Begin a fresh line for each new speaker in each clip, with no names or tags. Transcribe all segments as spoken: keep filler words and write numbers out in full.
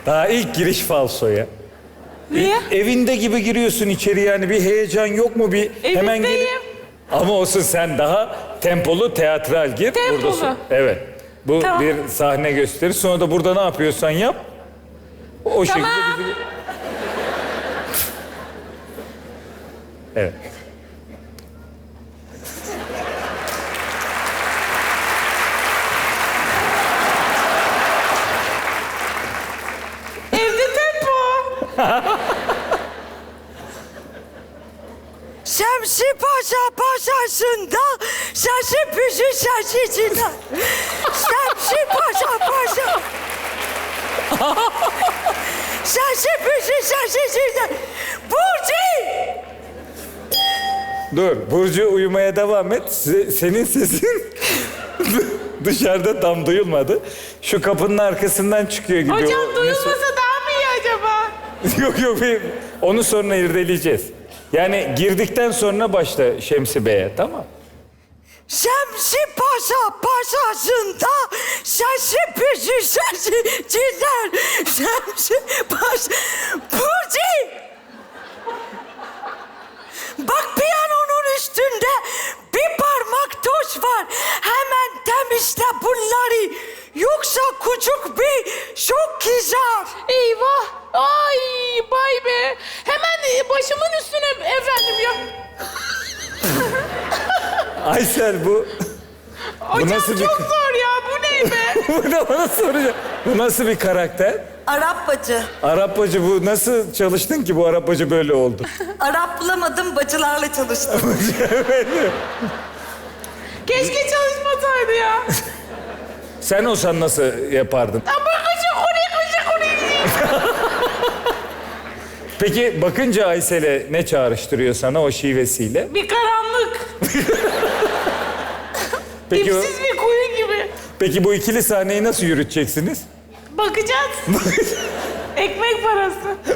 Daha ilk giriş falsoya.
Niye?
E, evinde gibi giriyorsun içeri yani bir heyecan yok mu bir hemen gelip...
Evindeyim.
Ama olsun sen daha tempolu teatral gir.
Tempolu.
Buradasın. Evet. Bu
Tamam.
bir sahne gösteri. Sonra da burada ne yapıyorsan yap. O şekilde
Tamam.
bizi... Evet.
Evde tempo.
Şemsi Paşa paşasında şaşı püzü şaşıcılar. Şemsi Paşa paşa. Şaşı püzü şaşıcılar. Burcu!
Dur. Burcu uyumaya devam et. Se- Senin sesin dışarıda tam duyulmadı. Şu kapının arkasından çıkıyor gibi.
Hocam
O-
duyulmasa daha mı iyi acaba?
Yok yok. bir- Onu sonra irdeleyeceğiz. Yani girdikten sonra başla Şemsi Bey'e, tamam?
Şemsi Paşa paşasında şaşı püzü şaşıcılar. Şemsi Paşa... Burcu! Bak piyanonun üstünde bir parmak toz var. Hemen temizle bunları. Yoksa küçük bir şok kızar.
Eyvah. Ay bay be. Hemen e, başımın üstüne efendim ya.
Aysel bu...
Hocam
nasıl bir-
çok zor ya. Bu ne be?
Bu da bana soracak. Bu nasıl bir karakter?
Arap bacı.
Arap bacı bu nasıl çalıştın ki bu Arap bacı böyle oldu?
Arap bulamadım, bacılarla çalıştım.
Keşke çalışmasaydı ya.
Sen olsan nasıl yapardın?
Ama kaçak oraya kaçak oraya.
Peki bakınca Aysel'e ne çağrıştırıyor sana o şivesiyle?
Bir karanlık.
Peki, o-
Dipsiz bir kuyu gibi.
peki bu ikili sahneyi nasıl yürüteceksiniz?
Bakacağız. Ekmek parası.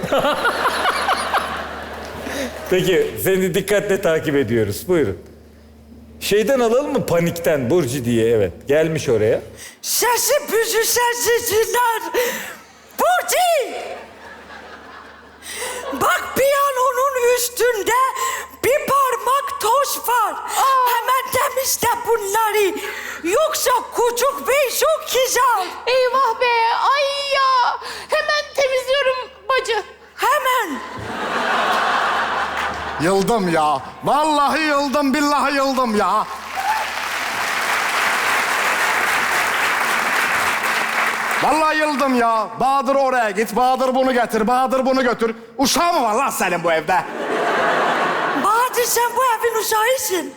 Peki seni dikkatle takip ediyoruz. Buyurun. Şeyden alalım mı panikten Burcu diye, evet. Gelmiş oraya.
Şaşı püzü şaşıcılar. Burcu! Bak piyanonun üstünde bir parmak toz var. Hemen temizle bunları. Yoksa küçük bir şok kızar.
Eyvah be. Ay ya. Hemen temizliyorum bacı.
Hemen.
Yıldım ya. Vallahi yıldım, billahi yıldım ya. Vallahi yıldım ya. Bahadır oraya git, Bahadır bunu getir, Bahadır bunu götür. Uşağı mı var lan senin bu evde?
Bahadır sen bu evin uşağısın.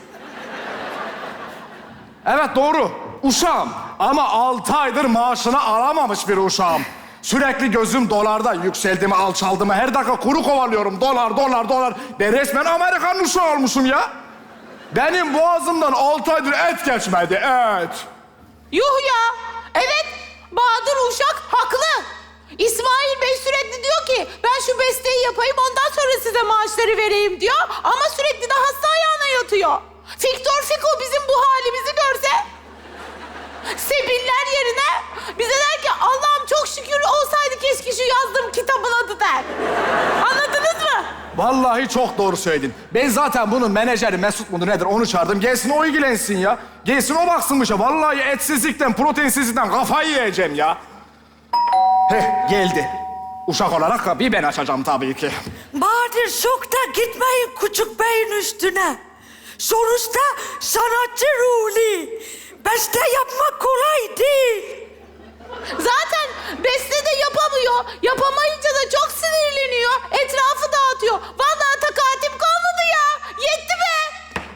Evet doğru, uşağım. Ama altı aydır maaşını alamamış bir uşağım. Sürekli gözüm dolarda, yükseldi mi, alçaldı mı? Her dakika kuru kovalıyorum. Dolar, dolar, dolar. Ben resmen Amerikan uşağı olmuşum ya. Benim boğazımdan altı aydır et geçmedi, et.
Yuh ya. Evet. Bahadır Uşak haklı. İsmail Bey sürekli diyor ki ben şu besteyi yapayım ondan sonra size maaşları vereyim diyor. Ama sürekli de hasta ayağına yatıyor. Fiktor Fiko bizim bu halimizi görse sebiller yerine bize der ki Allah'ım çok şükür olsaydı keşke şu yazdığım kitabın adı der. Anladınız mı?
Vallahi çok doğru söyledin. Ben zaten bunun menajeri Mesut mudur nedir onu çağırdım. Gelsin o ilgilensin ya. Gelsin o baksın bu işe. Vallahi etsizlikten, proteinsizlikten kafayı yiyeceğim ya. Heh geldi. Uşak olarak da bir ben açacağım tabii ki.
Bahadır şokta gitmeyin küçük beyin üstüne. Sonuçta sanatçı ruhlu. Beste yapmak kolay değil.
Zaten beste de yapamıyor. Yapamayınca da çok sinirleniyor. Etrafı dağıtıyor. Vallahi takatim kalmadı ya. Yetti be.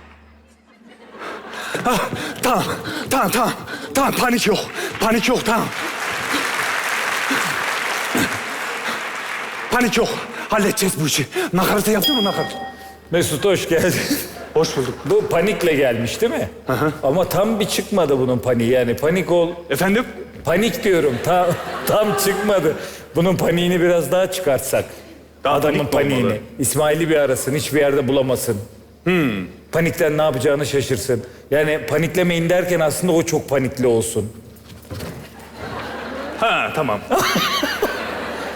Tamam, tamam, tamam. Tamam, panik yok. Panik yok, tamam. Panik yok. Halledeceğiz bu işi. Nakaratı yaptın mı nakarat?
Mesut hoş geldin.
Hoş bulduk.
Bu panikle gelmiş değil mi? Ama tam bir çıkmadı bunun paniği yani. Panik ol...
Efendim?
Panik diyorum. Tam, tam çıkmadı. Bunun paniğini biraz daha çıkartsak.
Daha
Adamın
panik mi
paniğini.
olmalı?
İsmail'i bir arasın, hiçbir yerde bulamasın. Hmm. Panikten ne yapacağını şaşırsın. Yani paniklemeyin derken aslında o çok panikli olsun.
Ha, tamam.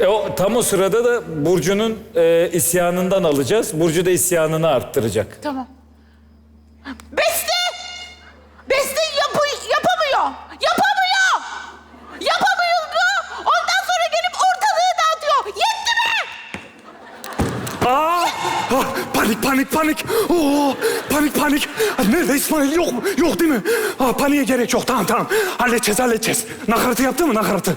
E, o, tam o sırada da Burcu'nun e, isyanından alacağız. Burcu da isyanını arttıracak.
Tamam. Beste! Beste yapı, yapamıyor. Yapamıyor. Yapamıyor mu? Ondan sonra gelip ortalığı dağıtıyor. Yetti mi?
Aa! Ah, panik panik panik. Oo, panik panik. Ah, nerede İsmail? Yok mu? Yok değil mi? Ah, paniğe gerek yok. Tamam tamam. Halledeceğiz halledeceğiz. Nakaratı yaptın mı nakaratı?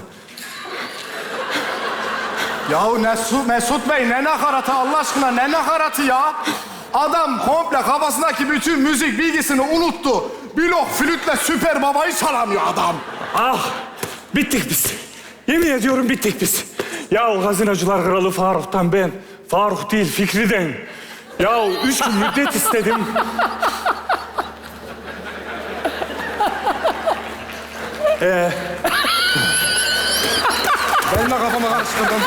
Yahu Mesut, Mesut Bey ne nakaratı Allah aşkına ne nakaratı ya? Adam komple kafasındaki bütün müzik bilgisini unuttu. Blok flütle Süper Baba'yı çalamıyor adam.
Ah! Bittik biz. Yemin ediyorum bittik biz. Ya o gazinocular kralı Faruk'tan ben. Faruk değil Fikri'den. Ya üç gün müddet istedim. Ee,
Benim de kafamı karıştırdım.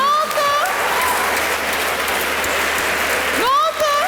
Ne oldu?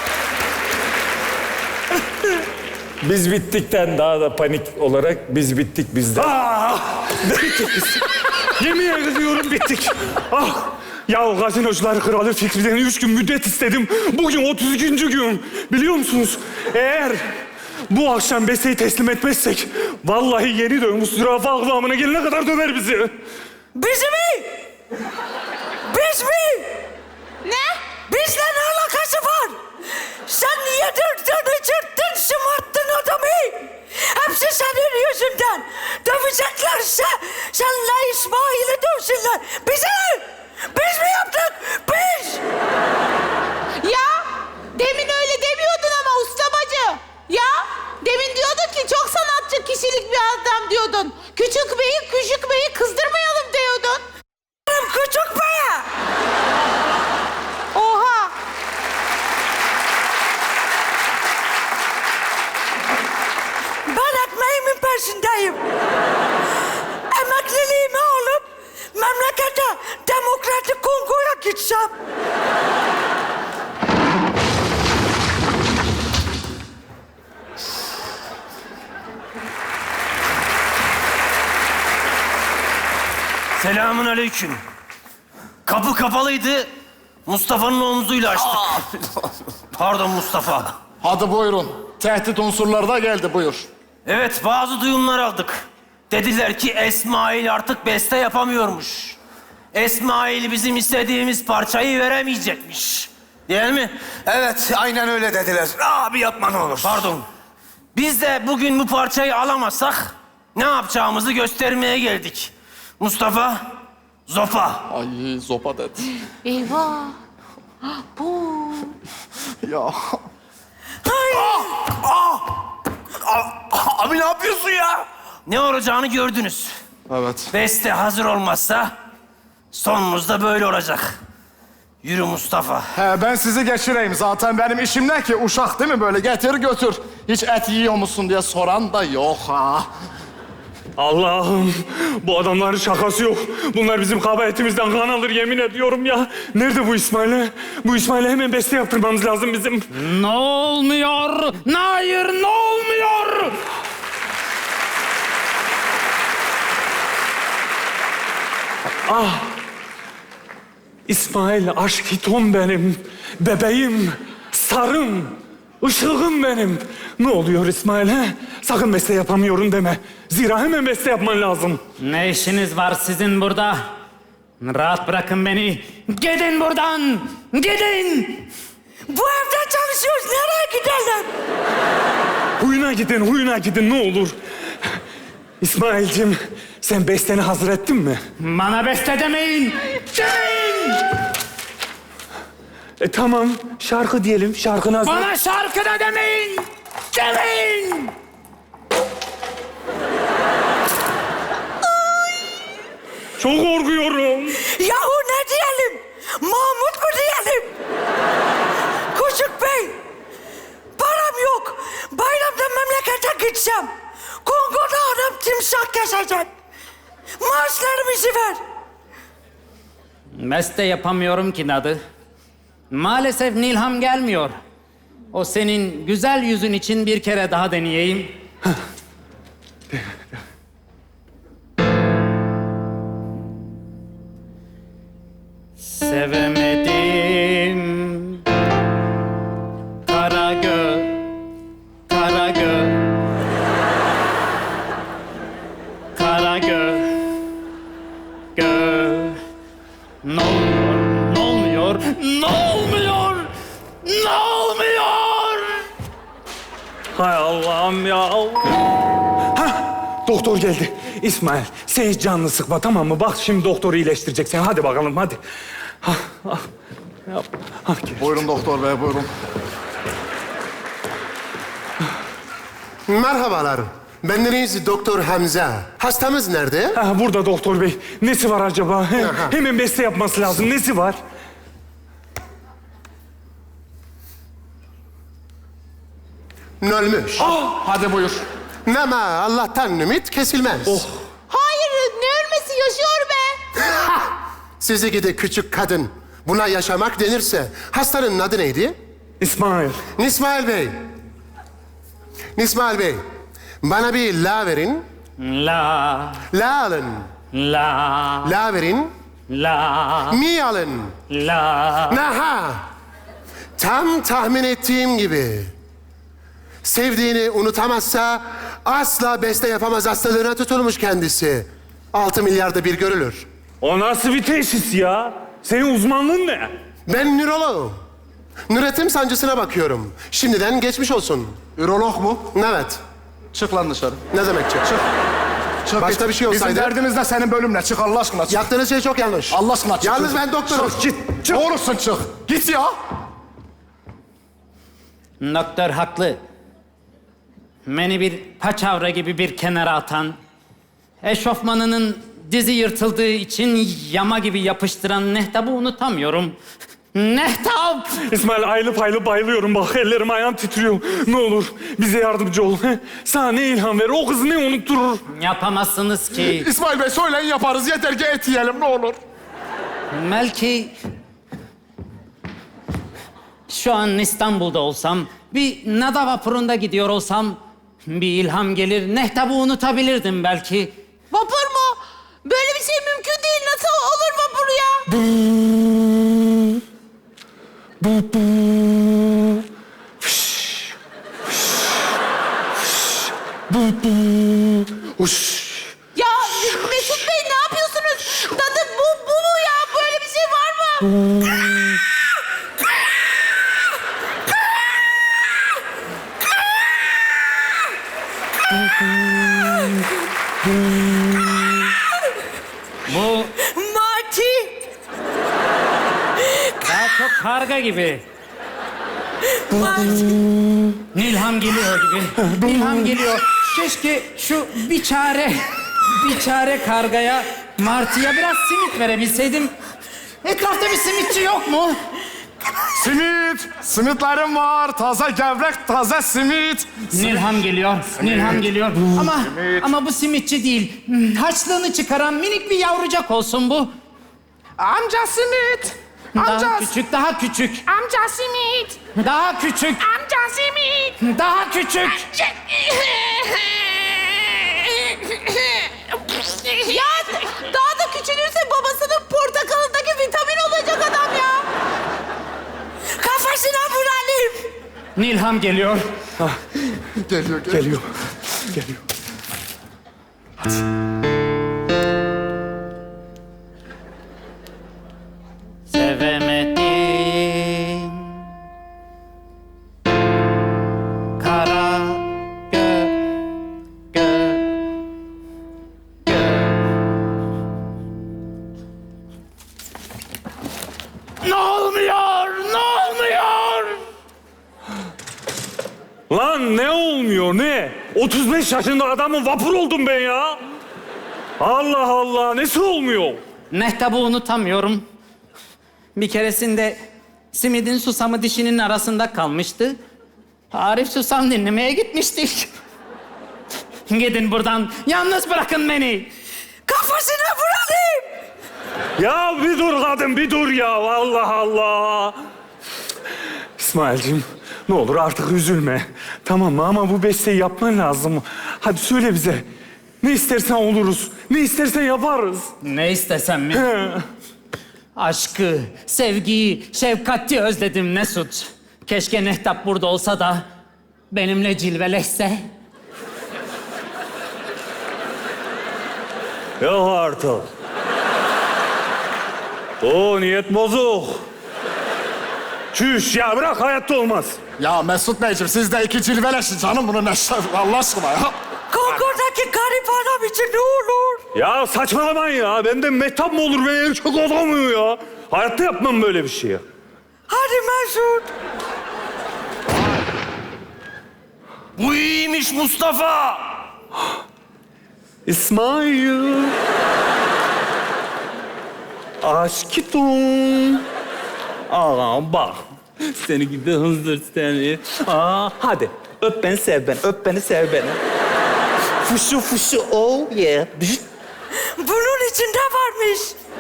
Biz bittikten daha da panik olarak biz bittik biz de.
ah! Bittik biz. Yemin ediyorum bittik. Ah! Ya o gazinocular kralı Fikri'den üç gün müddet istedim. Bugün otuz ikinci gün. Biliyor musunuz? Eğer bu akşam besteyi teslim etmezsek... ...vallahi yeni dövmüş zürafa kıvamına gelene kadar döver bizi.
Biz mi? Biz mi?
Ne?
Bizle ne alakası var? Sen yedirdin, içirdin, şımarttın adamı. Hepsi senin yüzünden. Döveceklerse senle İsmail'i dövsünler. Bizi! Biz mi yaptık? Biz!
Ya demin öyle demiyordun ama usta bacı. Ya demin diyordun ki çok sanatçı kişilik bir adam diyordun. Küçük beyi küçük beyi kızdırmayalım diyordun.
Küçük beye!
Oha.
Ben ekmeğimin peşindeyim. Emekliliğimi alıp memlekete Demokratik Kongo'ya gideceğim.
Selamun aleyküm. Kapı kapalıydı. Mustafa'nın omzuyla açtık. Pardon Mustafa.
Hadi buyurun. Tehdit unsurları da geldi buyur.
Evet bazı duyumlar aldık. Dediler ki Esmail artık beste yapamıyormuş. Esmail bizim istediğimiz parçayı veremeyecekmiş. Değil mi?
Evet, aynen öyle dediler. Abi yapma ne olur.
Pardon. Biz de bugün bu parçayı alamazsak ne yapacağımızı göstermeye geldik. Mustafa, zopa.
Ay zopa dedi.
Eyvah. Bu.
Ya.
Abi ne yapıyorsun ya?
Ne olacağını gördünüz.
Evet.
Beste hazır olmazsa sonumuz da böyle olacak. Yürü Mustafa.
He, ben sizi geçireyim. Zaten benim işim ne ki? Uşak değil mi böyle? Getir götür. Hiç et yiyor musun diye soran da yok ha.
Allah'ım bu adamların şakası yok. Bunlar bizim kabahatimizden kan alır yemin ediyorum ya. Nerede bu İsmail'e? Bu İsmail'e hemen beste yaptırmamız lazım bizim.
Ne olmuyor? Hayır, ne olmuyor?
Ah! İsmail aşk hitom benim. Bebeğim, sarım, ışığım benim. Ne oluyor İsmail he? Sakın beste yapamıyorum deme. Zira hemen beste yapman lazım.
Ne işiniz var sizin burada? Rahat bırakın beni. Gidin buradan. Gidin.
Bu evde çalışıyoruz. Nereye gidelim?
Huyuna gidin, huyuna gidin ne olur. İsmail'cim sen besteni hazır ettin mi?
Bana beste demeyin. Demeyin.
E tamam şarkı diyelim, şarkını hazır.
Bana şarkı da demeyin. Demeyin.
Çok korkuyorum.
Yahu ne diyelim? Mahmut mu diyelim? Küçük Bey, param yok. Bayramda memlekete gideceğim. Kongo'da adam timsah kesecek. Maaşlarımızı ver.
Beste yapamıyorum ki Nadı. Maalesef Nilham gelmiyor. O senin güzel yüzün için bir kere daha deneyeyim.
olmuyor.
Hay Allah'ım ya. Hah, doktor geldi. İsmail, sen hiç canını sıkma tamam mı? Bak şimdi doktor iyileştirecek seni. Hadi bakalım hadi. Hah, hah. Yap. Hah, gel.
Buyurun doktor bey, buyurun.
Merhabalar. Bendeniz Doktor Hamza. Hastamız nerede?
Ha, burada doktor bey. Nesi var acaba? He,
Aha.
hemen beste yapması lazım. Nesi var?
Ölmüş.
Hadi buyur.
Ama Allah'tan ümit kesilmez.
Hayır ne ölmesi yaşıyor be.
Sizi gidi küçük kadın. Buna yaşamak denirse. Hastanın adı neydi?
İsmail.
Nismail Bey. Nismail Bey. Bana bir la verin.
La,
La alın.
la,
La verin.
la,
Mi alın.
la.
Naha. Tam tahmin ettiğim gibi. Sevdiğini unutamazsa asla beste yapamaz hastalığına tutulmuş kendisi. Altı milyarda bir görülür.
O nasıl bir teşhis ya? Senin uzmanlığın ne?
Ben nöroloğum. Nüretim sancısına bakıyorum. Şimdiden geçmiş olsun.
Ürolog mu?
Evet.
Çık lan dışarı.
Ne demek çık?
Çık. Çık
Başka
git.
bir şey olsaydı-
Bizim derdimiz de senin bölümle. Çık Allah aşkına çık.
Yaptığınız şey çok yanlış.
Allah aşkına çık.
Yalnız ben doktorum.
Çık git. Çık. Doğrusun çık. Git ya.
Doktor haklı. Beni bir paçavra gibi bir kenara atan, eşofmanının dizi yırtıldığı için yama gibi yapıştıran Mehtap'ı unutamıyorum. Mehtap!
İsmail aylıp aylıp bayılıyorum bak. Ellerim ayağım titriyor. Ne olur bize yardımcı ol. he? Sana ne ilham verir? O kızı ne unutturur?
Yapamazsınız ki.
İsmail Bey söyleyin yaparız. Yeter ki et yiyelim ne olur.
Belki şu an İstanbul'da olsam, bir nada vapurunda gidiyor olsam bir ilham gelir, Mehtap'ı unutabilirdim belki.
Vapur mu? Böyle bir şey mümkün değil. Nasıl olur vapur ya?
Uş.
Ya Mesut Bey ne yapıyorsunuz? Dadı bu, bu mu ya? Böyle bir şey var mı?
Bu
Marty.
daha çok karga gibi.
Marty.
Nilham geliyor gibi. Nilham geliyor. Keşke şu biçare, biçare kargaya, martıya biraz simit verebilseydim. Etrafta bir simitçi yok mu?
Simit. Simitlerim var. Taze gevrek, taze simit.
Nilham geliyor, Nilham geliyor. Ama ama bu simitçi değil. Haçlığını çıkaran minik bir yavrucak olsun bu.
Amca simit.
Daha küçük, daha küçük.
Amca simit.
Daha küçük,
Amca simit.
daha küçük.
Ya daha da küçülürse babasının portakalındaki vitamin olacak adam ya.
Kafasına vuralım.
Nilham geliyor.
Geliyor, geliyor.
Geliyor. Geliyor.
Sevemedim. Kara gö gö gö. Ne olmuyor? Ne olmuyor?
Lan ne olmuyor ne? otuz beş yaşında adamın vapur oldum ben ya. Allah Allah nesi olmuyor?
Mehtap'ı unutamıyorum. Bir keresinde simidin susamı dişinin arasında kalmıştı. Arif susam dinlemeye gitmiştik. Gidin buradan. Yalnız bırakın beni.
Kafasına vuralım.
Ya bir dur kadın bir dur ya. Allah Allah. İsmail'cim ne olur artık üzülme. Tamam mı ama bu besteyi yapman lazım. Hadi söyle bize. Ne istersen oluruz. Ne istersen yaparız.
Ne istesem mi? Aşkı, sevgiyi, şefkati özledim Mesut. Keşke Mehtap burada olsa da benimle cilveleşse.
Yok artık. O niyet bozuk. Çüş ya bırak hayatta olmaz.
Ya Mesut Beyciğim siz de iki cilveleşin canım bunu ne Allah aşkına ya.
Kongodaki garip adam için ne olur?
Ya saçmalamayın ya. Benden mehtap mı olur? Ben erkek adamım ya. Hayatta yapmam böyle bir şey ya.
Hadi Mesut.
Bu iyiymiş Mustafa.
İsmail. Aşkım. Aa bak. Seni gibi hızdır seni. Aa hadi. Öp beni sev beni. Öp beni sev beni. Fuşu fuşu oh yeah.
Bunun içinde varmış.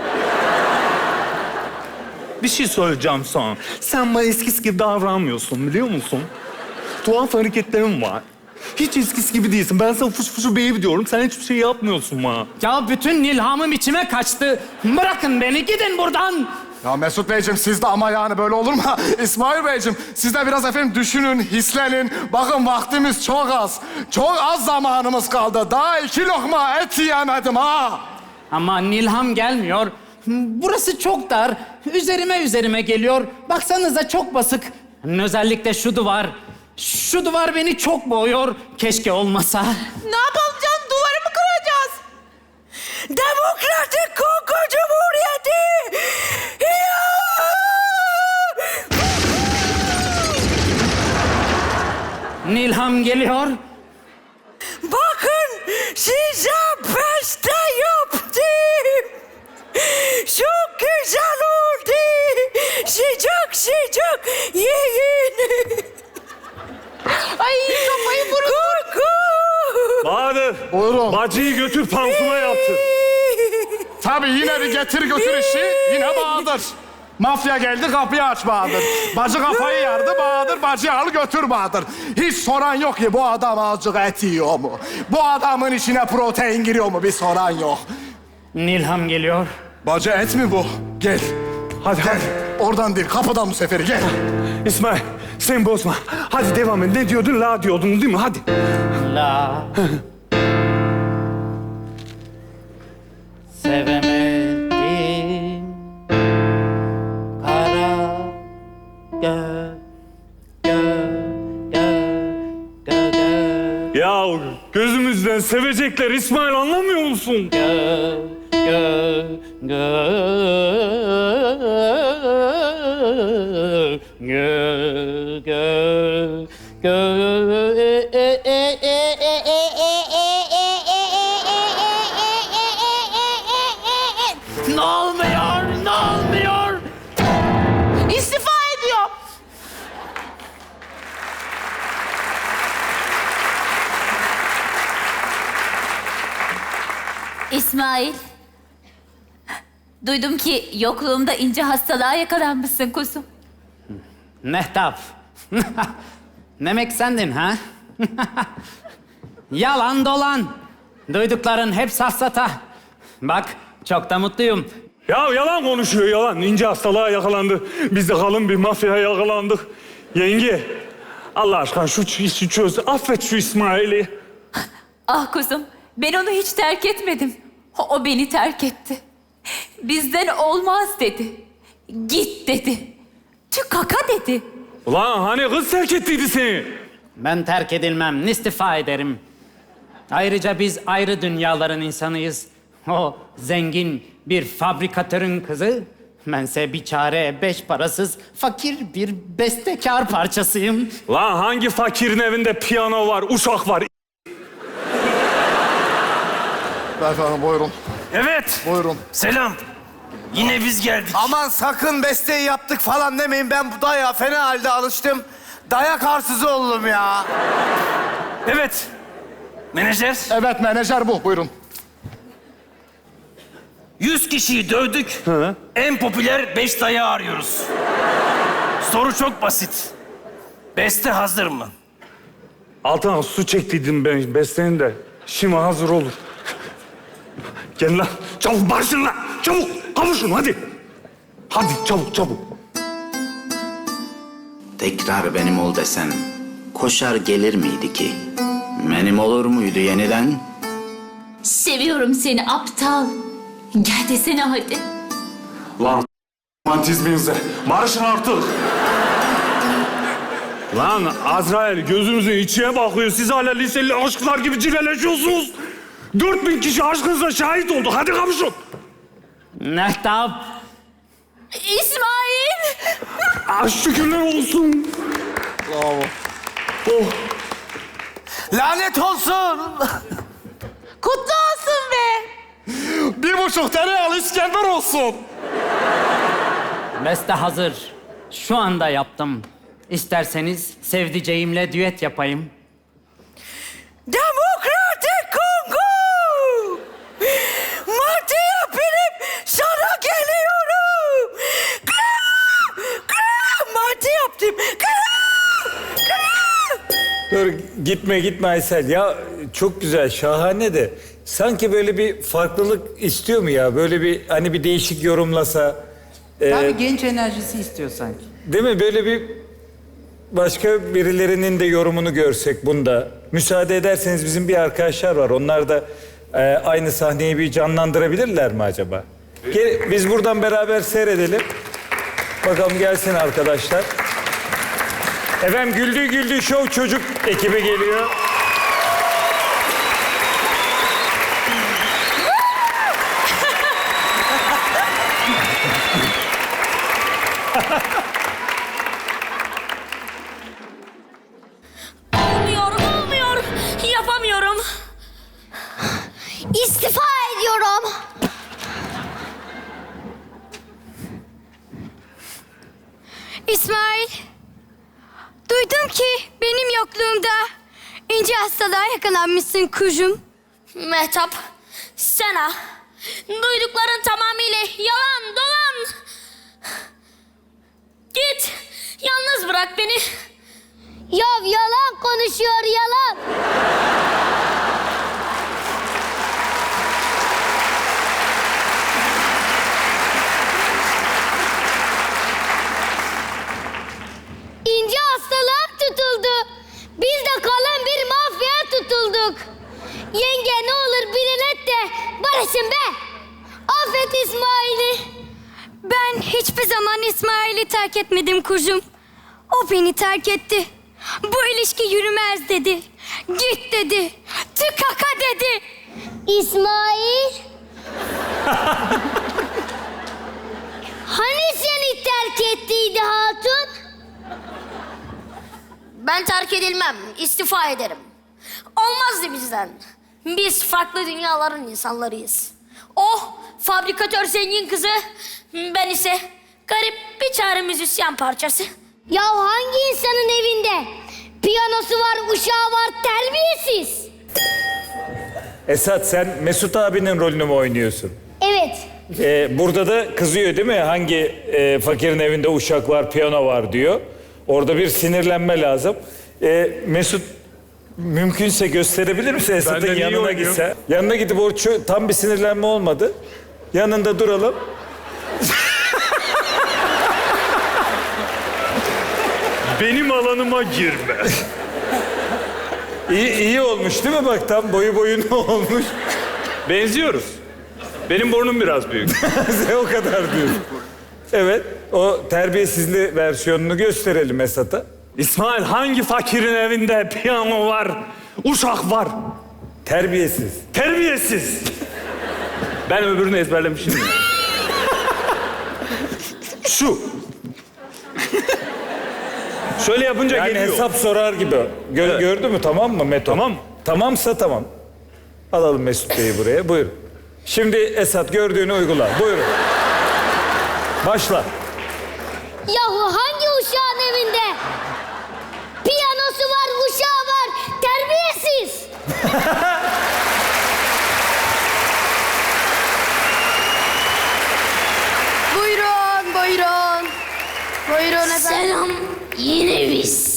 Bir şey söyleyeceğim sana. Sen bana eskisi gibi davranmıyorsun biliyor musun? Tuhaf hareketlerin var. Hiç eskisi gibi değilsin. Ben sana fış fışı baby diyorum. Sen hiçbir şey yapmıyorsun bana.
Ya bütün ilhamım içime kaçtı. Bırakın beni, gidin buradan.
Ya Mesut Beyciğim siz de ama yani böyle olur mu? İsmail Beyciğim siz de biraz efendim düşünün, hislenin. Bakın vaktimiz çok az. Çok az zamanımız kaldı. Daha iki lokma et yiyemedim ha.
Ama Nilham gelmiyor. Burası çok dar. Üzerime üzerime geliyor. Baksanıza çok basık. Özellikle şu duvar. Şu duvar beni çok boğuyor. Keşke olmasa.
Ne yapalım canım? Duvarı mı kıracağız?
Demokratik Kongo Cumhuriyeti. Ya!
Nilham geliyor.
Bakın size beste yaptım. Çok güzel oldu. Sıcak sıcak yiyin.
Ay kafayı vurun.
Kuku.
Bahadır.
Buyurun.
Bacıyı götür pansuma yaptır.
Tabii yine bir getir götür işi. Yine Bahadır. Mafya geldi kapıyı aç Bahadır. Bacı kafayı yardı Bahadır. Bacıyı al götür Bahadır. Hiç soran yok ki bu adam azıcık et yiyor mu? Bu adamın içine protein giriyor mu? Bir soran yok.
Nilham geliyor.
Bacı et mi bu? Gel.
Hadi
Gel.
hadi.
Oradan değil kapıdan bu seferi gel.
İsmail sen bozma. Hadi devam et. Ne diyordun? La diyordun değil mi? Hadi.
La. Sevemedim. Kara gö gö gö gö gö
Ya gözümüzden sevecekler İsmail anlamıyor musun?
gö gö gö gö gö gö e e e e e e Ne olmuyor? Ne olmuyor?
İstifa ediyor.
İsmail. Duydum ki yokluğumda ince hastalığa yakalanmışsın kuzum.
Mehtap. Demek sendin ha? Yalan dolan. Duydukların hep safsata. Bak çok da mutluyum.
Ya yalan konuşuyor yalan. İnce hastalığa yakalandı. Biz de kalın bir mafyaya yakalandık. Yenge Allah aşkına şu işi çöz. Affet şu İsmail'i.
Ah kuzum, ben onu hiç terk etmedim. O, o beni terk etti. Bizden olmaz dedi. Git dedi. Tü kaka dedi.
Ulan hani kız terk ettiydi seni.
Ben terk edilmem, istifa ederim. Ayrıca biz ayrı dünyaların insanıyız. O zengin bir fabrikatörün kızı. Bense biçare, beş parasız, fakir bir bestekar parçasıyım.
Lan hangi fakirin evinde piyano var, uşak var?
Efendim buyurun.
Evet.
Buyurun.
Selam. Yine biz geldik.
Aman sakın besteyi yaptık falan demeyin. Ben bu dayağa fena halde alıştım. Dayak arsızı oldum ya.
Evet. Menajer.
Evet menajer bu buyurun.
Yüz kişiyi dövdük. En popüler beş dayağı arıyoruz. Soru çok basit. Beste hazır mı?
Altına su çektiydim ben beslenin de. Şimdi hazır olur. Gel lan. Çabuk barışın lan. Çabuk. Kavuşun hadi. Hadi çabuk çabuk.
Tekrar benim ol desen koşar gelir miydi ki? Benim olur muydu yeniden?
Seviyorum seni aptal. Gel desene hadi.
Lan romantizminize. Barışın artık. Lan Azrail gözünüzün içine bakıyor. Siz hala liseli aşklar gibi cilveleşiyorsunuz. Dört bin kişi aşkınıza şahit oldu. Hadi kavuşun.
Mehtap.
İsmail!
Ah, şükürler olsun.
Lanet olsun.
Kutlu olsun be.
Bir buçuk tereyağlı İskender olsun.
Beste hazır. Şu anda yaptım. İsterseniz sevdiceğimle düet yapayım.
Demokratik Kongo! Martı'ya binip sana geliyorum! Kram! Kram! Martı yaptım! Kram! Kram!
Dur gitme gitme Aysel. Ya çok güzel, şahane de. Sanki böyle bir farklılık istiyor mu ya? Böyle bir hani bir değişik yorumlasa. e,
Tabii genç enerjisi istiyor sanki.
Değil mi? Böyle bir başka birilerinin de yorumunu görsek bunda. Müsaade ederseniz bizim bir arkadaşlar var. Onlar da e, aynı sahneyi bir canlandırabilirler mi acaba? Gel, biz buradan beraber seyredelim. Bakalım gelsin arkadaşlar. Efendim Güldüğü Güldüğü Show çocuk ekibi geliyor.
Olmuyor, olmuyor. Yapamıyorum. İstifa ediyorum.
İsmail, duydum ki benim yokluğumda ince hastalığa yakalanmışsın kuzum.
Mehtap, sana duydukların tamamıyla yalan dolan. Git, yalnız bırak beni.
Ya yalan konuşuyor yalan. İnce hastalığa tutuldu. Biz de kalan bir mafyaya tutulduk. Yenge ne olur bir el et de barışın be. Affet İsmail'i. Ben hiçbir zaman İsmail'i terk etmedim kuzum. O beni terk etti. Bu ilişki yürümez dedi. Git dedi. Tıkaka dedi. İsmail. Hani seni terk ettiydi hatun?
Ben terk edilmem, istifa ederim. Olmazdı bizden. Biz farklı dünyaların insanlarıyız. O fabrikatör zengin kızı, ben ise garip bir çare müzisyen parçası.
Ya hangi insanın evinde piyanosu var, uşağı var, terbiyesiz?
Esat sen Mesut abinin rolünü mü oynuyorsun?
Evet.
Ee, burada da kızıyor değil mi? Hangi e, fakirin evinde uşak var, piyano var diyor. Orada bir sinirlenme lazım. Ee, Mesut mümkünse gösterebilir misin Esat'ın
Benden iyi
yanına
oynuyor.
gitse? Yanına gidip o çö- tam bir sinirlenme olmadı. Yanında duralım.
Benim alanıma girme.
İyi, iyi olmuş değil mi bak tam boyu boyuna olmuş.
Benziyoruz. Benim burnum biraz büyük.
Sen o kadar diyorsun. Evet o terbiyesizli versiyonunu gösterelim Esat'a.
İsmail hangi fakirin evinde piyano var, uşak var?
Terbiyesiz.
Terbiyesiz. Ben öbürünü ezberlemişim ya. Şu. Şöyle yapınca
Yani
geliyor.
hesap sorar gibi. Gö-
Evet.
Gördü mü tamam mı Meto?
Tamam.
Tamamsa tamam. Alalım Mesut Bey'i buraya buyurun. Şimdi Esat gördüğünü uygula. Buyurun. Başla.
Yahu hangi uşağın evinde piyanosu var, uşağı var, terbiyesiz?
Buyurun, buyurun. Buyurun efendim.
Selam, yine biz.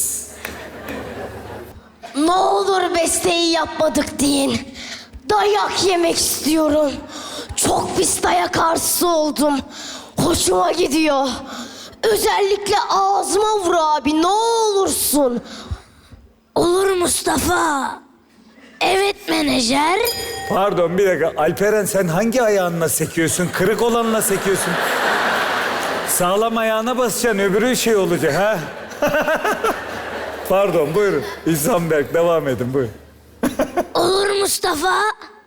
Ne olur besteyi yapmadık deyin. Dayak yemek istiyorum. Çok pis dayak arsız oldum. Hoşuma gidiyor. Özellikle ağzıma vur abi ne olursun. Olur Mustafa. Evet menajer.
Pardon bir dakika. Alperen sen hangi ayağınla sekiyorsun? Kırık olanla sekiyorsun. Sağlam ayağına basacaksın öbürü şey olacak ha. Pardon, buyurun. İhsan Berk, devam edin, buyurun.
Olur Mustafa.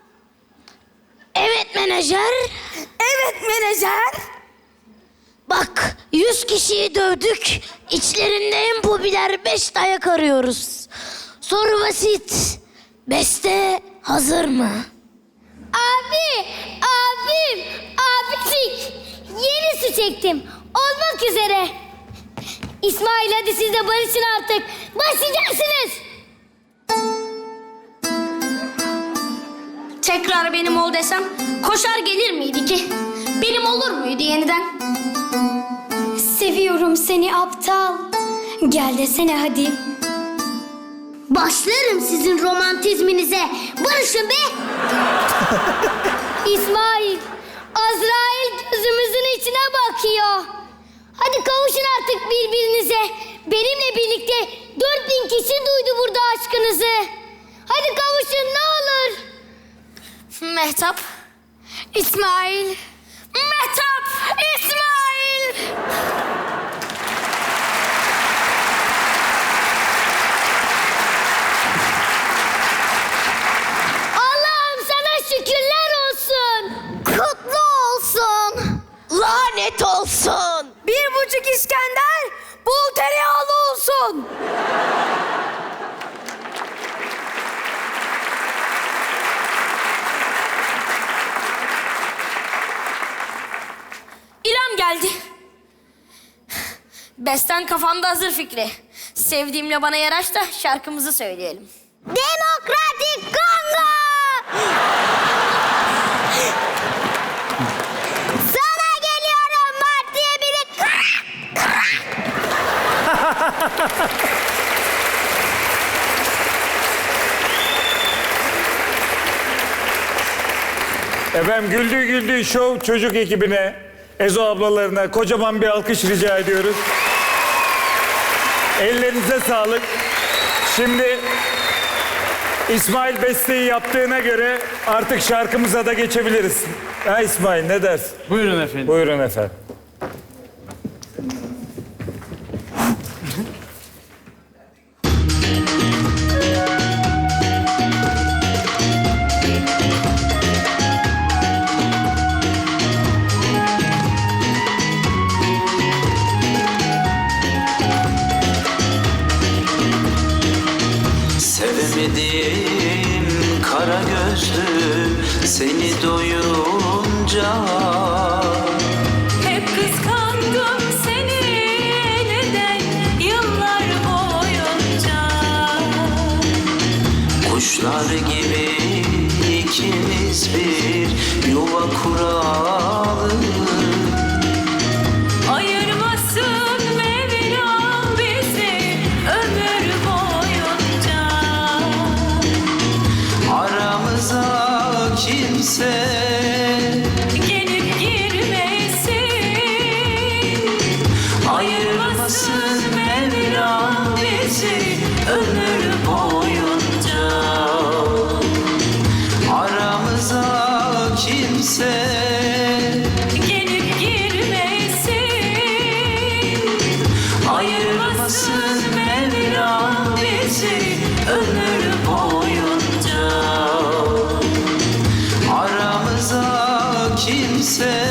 Evet menajer.
Evet menajer.
Bak yüz kişiyi dövdük. İçlerinde en popüler beş dayak arıyoruz. Soru basit. Beste hazır mı?
Abi, abim, abicik. Yeni su çektim. Olmak üzere. İsmail hadi siz de barışın artık. Başlayacaksınız. Tekrar benim ol desem koşar gelir miydi ki? Benim olur muydu yeniden? Seviyorum seni aptal. Gel desene hadi.
Başlarım sizin romantizminize. Barışın be.
İsmail, Azrail gözümüzün içine bakıyor. Hadi kavuşun artık birbirinize. Benimle birlikte dört bin kişi duydu burada aşkınızı. Hadi kavuşun ne olur. Mehtap, İsmail. Mehtap, İsmail. Allah'ım sana şükürler olsun.
Kutlu olsun. Lanet olsun.
Bir buçuk İskender, bol tereyağlı olsun.
İrem geldi. Besten kafamda hazır Fikri. Sevdiğimle bana yaraş da şarkımızı söyleyelim.
Demokratik Kongo. Sana geliyorum Mart diye biri.
Efendim Güldüğü Güldüğü Show çocuk ekibine, Ezo ablalarına kocaman bir alkış rica ediyoruz. Ellerinize sağlık. Şimdi İsmail besteyi yaptığına göre artık şarkımıza da geçebiliriz. Ha İsmail ne dersin?
Buyurun efendim.
Buyurun efendim.
Sevemedim kara gözlüm seni doyunca.
Hep kıskandım seni neden yıllar boyunca.
Kuşlar gibi ikimiz bir yuva kuralım.
Ayırmasın Mevlam bizi ömür boyunca.
Aramıza kimse
Gelip girmesin.
ayırmasın Mevlam bizi ömür boyunca. Aramıza kimse
Gelip girmesin.
ayırmasın Mevlam bizi ömür boyunca. Aramıza kimse